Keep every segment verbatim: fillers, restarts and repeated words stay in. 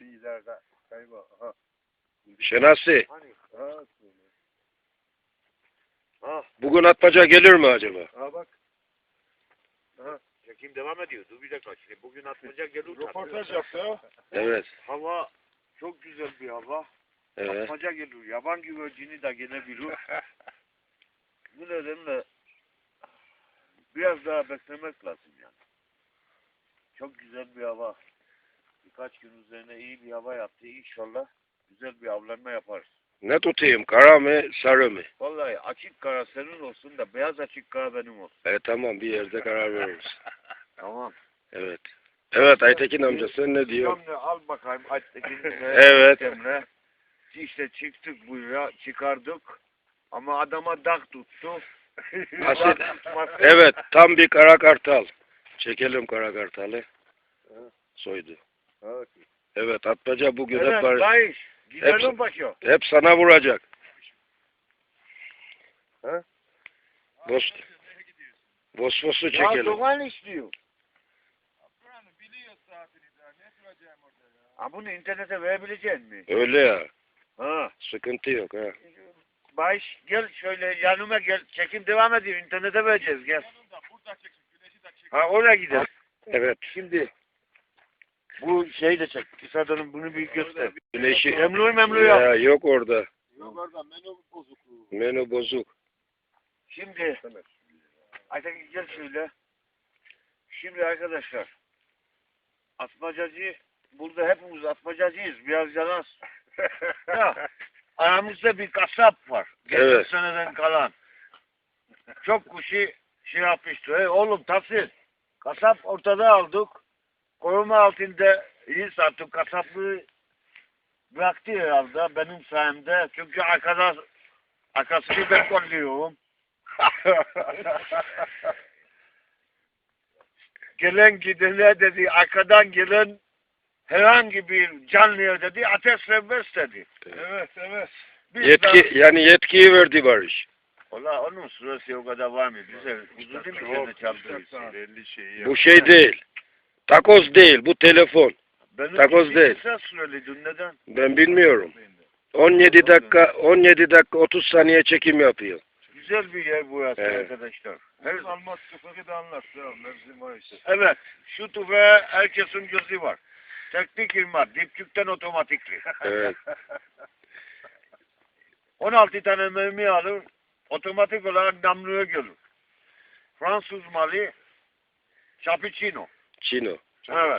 Şu ileride kayba. Aha. Şenasi, Hani? Ha. Ha. bugün atmaca gelir mi acaba? Ha bak. Ha. Çekim devam ediyor. Dur bir dakika. Şimdi bugün atmaca gelir. Röportaj yaptı ha. Evet. Hava çok güzel bir hava. Evet. Atmaca gelir. Yaban güvercini de gelebilir. Bu nedenle biraz daha beklemek lazım yani. Çok güzel bir hava. Birkaç gün üzerine iyi bir hava yaptı. İnşallah güzel bir avlanma yaparız. Ne tutayım? Kara mı, sarı mı? Vallahi açık kara senin olsun da beyaz açık kara benim olsun. E tamam, bir yerde karar veririz. Tamam. Evet. Evet Aytekin amca, sen ne diyorsun? Şimdi al bakayım Aytekin'le. Evet. Emre. İşte çıktık buraya, çıkardık. Ama adama dak tuttu. Asil. Dak tutması- Evet, tam bir kara kartal. Çekelim kara kartalı. Soydu. Evet. Evet, atmaca bugün hep Evet, var. Bayış. Gidelim Hep- başı. Hep sana vuracak. Ha? Bos, Bosfos'u Ya çekelim. Doğan istiyor. Biliyor saatini daha. Ne soracağım orada ya? Ha bunu internete verebilecek mi? Öyle ya. Ha. Sıkıntı yok ha. Bayış gel şöyle yanıma gel. Çekim devam ediyor. İnternete vereceğiz gel. Burada çeksin. Güneşi de çek. Ha oraya gidelim. Evet. Şimdi bu şeyi de çek. Kısadanın bunu bir göster. Güneşi. Memnun memnun yok. Ya yok orada. Yok orada menü bozukluğu. Menü bozuk. Şimdi Aytekin gel şöyle. Şimdi arkadaşlar atmacacı burada hepimiz atmacacıyız. Biraz yalan. Ya, aramızda bir kasap var. Geçen Evet. seneden kalan. Çok kuşu şey yapmıştı. Hey, oğlum Tahsin. Kasap ortada aldık. Koruma altında iyi sattık. Kasaplığı bıraktı herhalde benim sayemde. Çünkü arkada arkasını ben kolluyorum. Gelen gidene dedi, arkadan gelen herhangi bir canlıya dedi, ateş serbest dedi. Evet evet. Biz Yetki, de, yani yetkiyi verdi Barış. Valla onun sırası o kadar var mı? Bize uzun değil mi seni çaldırıyorsun? elli şeyi Bu şey değil. Takoz değil, bu telefon. Benim Takoz için değil. kısa süreliydin, neden? Ben bilmiyorum. on yedi dakika, on yedi dakika otuz saniye çekim yapıyor. Güzel bir yer burası Evet. arkadaşlar. Her almaz sıfırı da anlat. Ya mevsim var işte. Evet, şu tüfeğe herkesin gözü var. Teknik ilmat, dipçükten otomatikli. Evet. on altı tane mermi alır, otomatik olarak namluya gelir. Fransız malı, Cappuccino. Çino. Evet.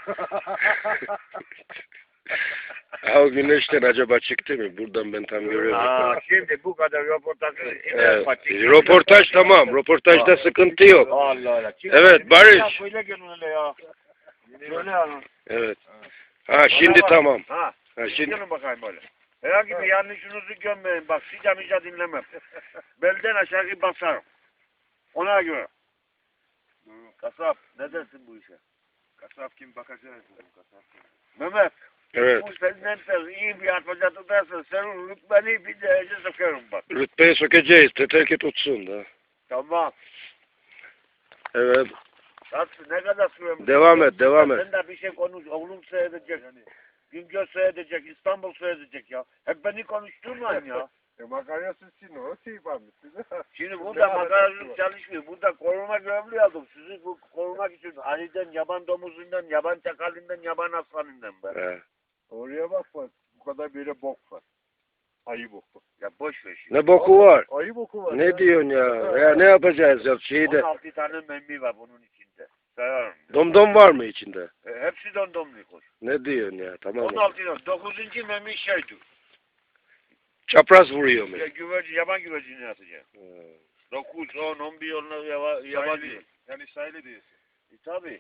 Ha, o güneşten acaba çıktı mı? Buradan ben tam görüyorum. Aa, şimdi bu kadar röportajı Evet. Röportaj tamam. Röportajda sıkıntı yok. Allah Allah. Evet, Barış. Böyle gelin öyle ya. Şöyle ya. Evet. Ha şimdi tamam. Ha. Ha şimdi Gelin bakayım böyle. Herhangi bir yanlışınızı görmeyin. Bak sıca mica dinlemem. Belden aşağı basarım. Ona göre. Kasap ne dersin bu işe? Kasap kim bakacağız? Kasap kim? Mehmet. evet. Bu senden de iyi bir atmaca tutarsın. Senin rütbeni bir derece sokarım bak. Rütbeyi sökeceğiz. Teter ki tutsun da. Tamam. Evet. Nasıl ne kadar sürem? Devam et, devam et. Sen de bir şey konuş. Oğlum seyredecek. Yani. Güngör seyredecek. İstanbul seyredecek ya. Hep beni konuşturmayın ya. E makarnasız için o şey varmış. Şimdi burada makaracılık çalışmıyor. Burada koruma görevli aldım. Sizi bu korumak için Ali'den, yaban domuzundan, yaban çakalinden, yaban aslanından ben. Ha. Oraya bak bak. Bu kadar böyle bok var. Ayı boku. Ya boş ver şimdi. Ne boku var? Ayı boku var. Ne ya. diyorsun ya? Ya ne yapacağız ya şeyde? on altı tane memmi var bunun içinde. Sayarım. Domdom var mı içinde? E, hepsi domdomlu kuş. Ne diyorsun ya? Tamam. on altı tane. dokuzuncu memmi şeydi. Çapraz vuruyor mu? Ya, güvercin, yaban güvercini atacak. Ha. dokuz, on, on bir onlar yaba, yabancı. Sayılı. Yani sayılı diyorsun. E, tabii.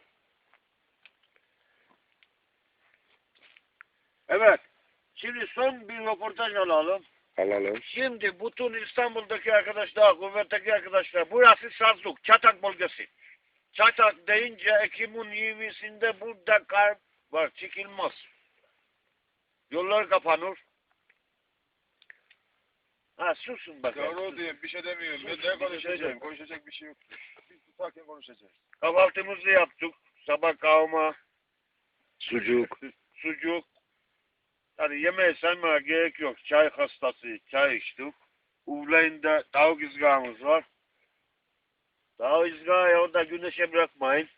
Evet. Şimdi son bir röportaj alalım. Alalım. Şimdi bütün İstanbul'daki arkadaşlar, kuvvetteki arkadaşlar, burası Sazluk, Çatak bölgesi. Çatak deyince Ekim'in yirmisinde burada kar var, çıkılmaz. Yollar kapanır. Ha susun bakalım. Doğru diyor. Bir şey demiyorum. Ben ne konuşacağım? Konuşacak bir şey yok. Biz tutarken konuşacağız. Kahvaltımızı yaptık. Sabah kavurma, Sucuk. sucuk, hani yemeği saymaya gerek yok. Çay hastası, çay içtik. Uvlayında tavuk ızgarımız var. Tavuk ızgarayı orada güneşe bırakmayın.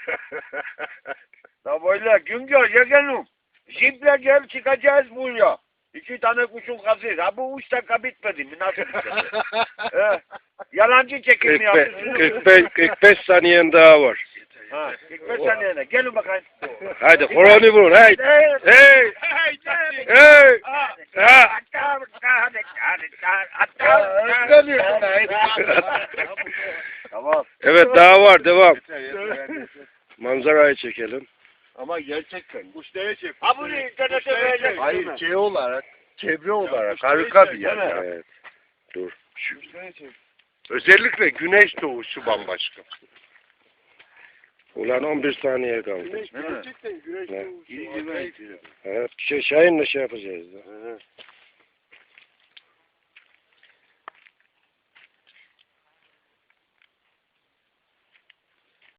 Da böyle gün gör yegenim. Jiple gel çıkacağız buraya. İki tane kuşun kazıyız. Ha bu üç dakika bitmedi mi? Nasıl bitmedi? He. Yalancı çekimi kırk beş, yapıyorsunuz. kırk beş, kırk beş saniyen daha var. Ha, kırk beş saniyene. Gelin bakayım. Haydi horonu vurun. Hey. Hey. Hey. Ha. Tamam. Evet daha var. Devam. Manzarayı çekelim. Ama gerçekten kuşları çek. Ha bunu internete verecek. Hayır şey olarak, çevre olarak kuşları harika bir çek, yer. değil mi? ya. Evet. Dur. Kuşları çek. Özellikle güneş doğuşu bambaşka. Ulan on bir saniye kaldı. Güneş Değil mi? gerçekten güneş Ne? doğuşu. İyi güven. Evet. Şey, Şahin'le şey yapacağız da. Hı hı.